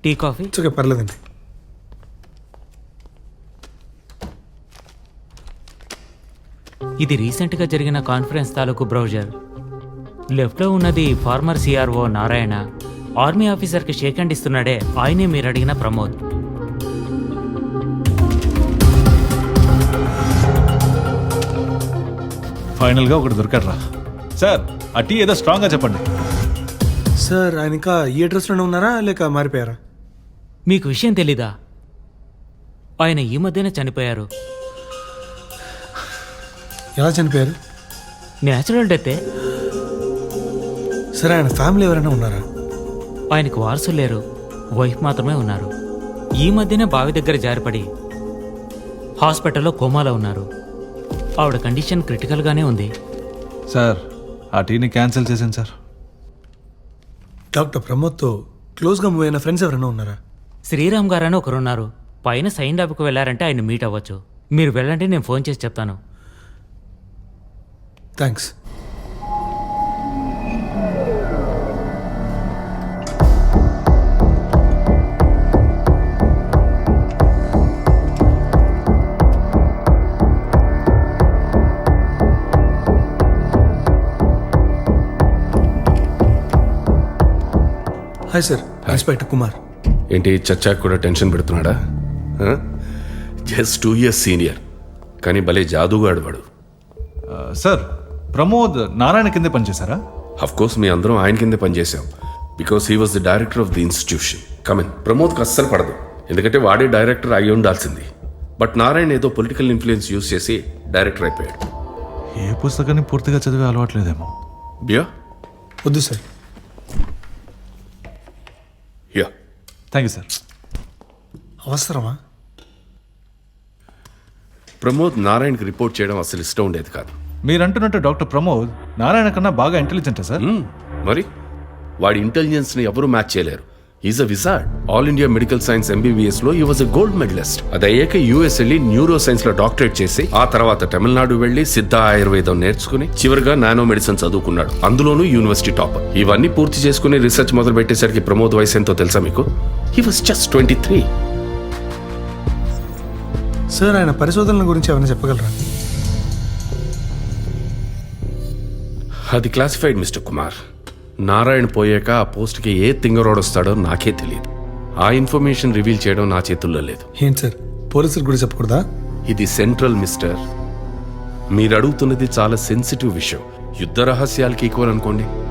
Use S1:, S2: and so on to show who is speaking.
S1: Tea coffee?
S2: Okay, పర్లేదండి.
S1: ఇది రీసెంట్గా జరిగిన కాన్ఫరెన్స్ తాలూకు బ్రౌజర్. లెఫ్ట్లో ఉన్నది ఫార్మర్ సిఆర్ఓ నారాయణ. ఆర్మీ ఆఫీసర్కి షేక్ హ్యాండ్ ఇస్తున్నాడే, ఆయనే మీరు అడిగిన ప్రమోద్.
S3: ఫైనల్గా ఒకటి దొరికాడ్రా. సార్ ఆ టీ ఏదో స్ట్రాంగ్గా చెప్పండి.
S2: సార్ ఆయన ఇంకా ఈ అడ్రస్లోనే ఉన్నారా లేక మారిపోయారా?
S1: మీకు విషయం తెలీదా? ఆయన ఈ మధ్యనే చనిపోయారు.
S2: ఎలా చనిపోయారు?
S1: న్యాచురల్ డెత్తే.
S2: సరే, ఆయన ఫ్యామిలీ ఎవరైనా ఉన్నారా?
S1: ఆయనకు వారసులు లేరు, వైఫ్ మాత్రమే ఉన్నారు. ఈ మధ్యనే బావి దగ్గర జారిపడి హాస్పిటల్లో కోమాలో ఉన్నారు. ఆవిడ కండిషన్ క్రిటికల్గానే ఉంది.
S3: సార్ ఆ టీని క్యాన్సిల్ చేశాను సార్.
S2: డాక్టర్ ప్రమోద్తో క్లోజ్గా మూవ్ అయిన ఫ్రెండ్స్ ఎవరైనా ఉన్నారా?
S1: శ్రీరామ్ గారని ఒకరున్నారు. పైన సైన్ ల్యాబ్కి వెళ్ళారంటే ఆయన మీట్ అవ్వచ్చు. మీరు వెళ్ళండి, నేను ఫోన్ చేసి చెప్తాను.
S2: Thanks. Hi sir, inspector Kumar.
S4: ఏంటి చచ్చాకు కూడా టెన్షన్ పెడుతున్నాడా? జస్ట్ 2 years సీనియర్, కానీ భలే జాదూగాడు వాడు.
S3: సార్ ప్రమోద్ నారాయణ కిందే పనిచేశారా?
S4: అఫ్ కోర్స్ మీ అందరం ఆయన కిందే పనిచేసాం. Because he was the director of the institution. Come in. ప్రమోద్కి అస్సలు పడదు, ఎందుకంటే వాడే డైరెక్టర్ అయి ఉండాల్సింది. బట్ నారాయణ ఏదో పొలిటికల్ ఇన్ఫ్లుయెన్స్ యూజ్ చేసి డైరెక్టర్ అయిపోయాడు.
S3: ఏ పుస్తకాన్ని పూర్తిగా చదివే అలవాట్లేదేమో.
S4: బియా?
S2: వద్దు sir.
S4: Yeah.
S3: Thank you sir.
S2: అవసరమా?
S4: ప్రమోద్ నారాయణకి రిపోర్ట్ చేయడం అసలు ఇష్టం ఉండేది కాదు.
S3: మీరంటున్నట్టు డాక్టర్ ప్రమోద్ నారాయణ కన్నా బాగా ఇంటెలిజెంటా సార్?
S4: మరి వాడి ఇంటెలిజెన్స్ని ఎవరూ మ్యాచ్ చేయలేరు. Is a wizard. All India medical science MBBS లో ఈ వాజ్ అ గోల్డ్ మెడలిస్ట్. అది అయ్యాక US వెళ్ళి న్యూరో సైన్స్ లో డాక్టరేట్ చేసి ఆ తర్వాత తమిళనాడు వెళ్ళి సిద్ధ ఆయుర్వేదం నేర్చుకుని చివరిగా నానో మెడిసిన్ చదువుకున్నాడు, అందులోనూ యూనివర్సిటీ టాపర్. ఇవన్నీ పూర్తి చేసుకుని రీసెర్చ్ మొదలు పెట్టేసరికి ప్రమోద్ వయసు ఎంతో తెలుసా మీకు? He was just 23.
S2: సార్, ఆయన పరిశోధనల గురించి ఏమైనా చెప్పగలరా?
S4: అది క్లాసిఫైడ్ మిస్టర్ కుమార్. నారాయణ పోయాక ఆ పోస్ట్కి ఏ తింగరోడు వస్తాడో నాకే తెలియదు. ఆ ఇన్ఫర్మేషన్ రివీల్ చేయడం నా చేతుల్లో లేదు.
S2: ఏంటి సార్, పోలీసులకు కూడా చెప్పకూడదా?
S4: ఇది సెంట్రల్ మిస్టర్. మీరు అడుగుతున్నది చాలా సెన్సిటివ్ విషయం. యుద్ధ రహస్యాలకి ఈక్వల్ అనుకోండి.